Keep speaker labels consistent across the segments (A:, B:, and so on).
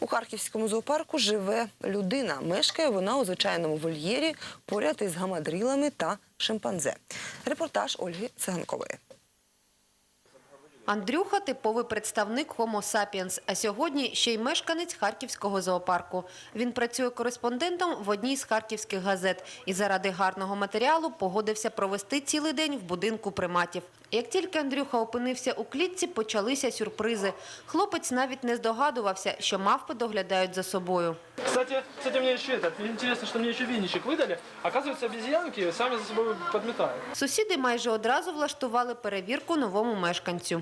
A: У Харківському зоопарку живе людина. Мешкає вона у звичайному вольєрі поряд із гамадрілами та шимпанзе. Репортаж Ольги Циганкової.
B: Андрюха – типовий представник Homo sapiens, а сьогодні ще й мешканець Харківського зоопарку. Він працює кореспондентом в одній з харківських газет і заради гарного матеріалу погодився провести цілий день в будинку приматів. Як тільки Андрюха опинився у клітці, почалися сюрпризи. Хлопець навіть не здогадувався, що мавпи доглядають за собою.
C: Кстати, мне еще интересно, что мне еще винничек выдали. Оказывается, обезьянки сами за собой подметают.
B: Сусіди майже одразу влаштували перевірку новому мешканцю.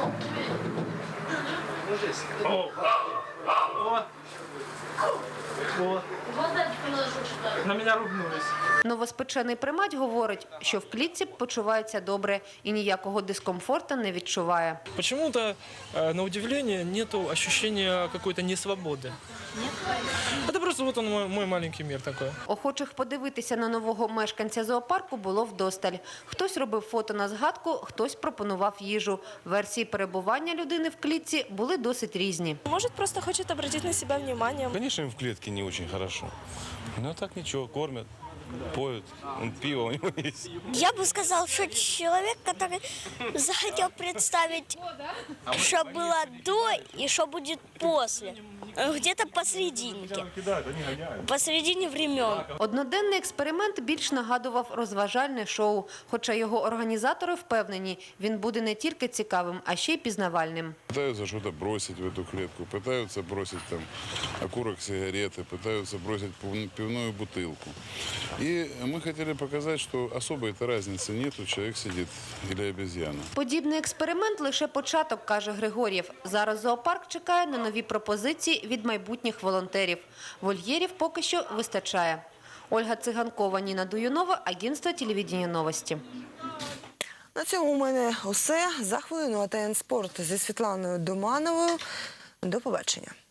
C: На меня ругнулись.
B: Новоспечений примат говорить, що в клітці почувається добре і ніякого дискомфорту не відчуває.
C: Почему-то, на удивление, нету ощущения какой-то несвободы. Это просто вот он мой маленький мир такой.
B: Охочих подивитися на нового мешканця зоопарку було вдосталь. Хтось робив фото на згадку, хтось пропонував їжу. Версії перебування людини в клітці були досить різні.
D: Может, просто хочет обратить на себя внимание.
E: Конечно, им в клетке не очень хорошо. Но так ничего, кормят, поют, пиво у него есть.
F: Я бы сказал, что человек, который захотел представить, что было до и что будет после. Где-то посерединке. Посередине времен.
B: Одноденний експеримент більш нагадував розважальне шоу. Хоча його організатори впевнені, він буде не тільки цікавим, а ще й пізнавальним.
E: Пытаются что-то бросить в эту клетку, пытаются бросить там окурок сигареты, пытаются бросить пивную бутылку. И мы хотели показать, что особой-то разницы нету, человек сидит или обезьяна.
B: Подібний експеримент – лише початок, каже Григор'єв. Зараз зоопарк чекає на нові пропозиції від майбутніх волонтерів. Вольєрів поки що вистачає. Ольга Циганкова, Ніна Дуюнова, агентство телевидения «Новості».
A: На цьому у мене усе. За хвилину АТН Спорт зі Світланою Домановою. До побачення.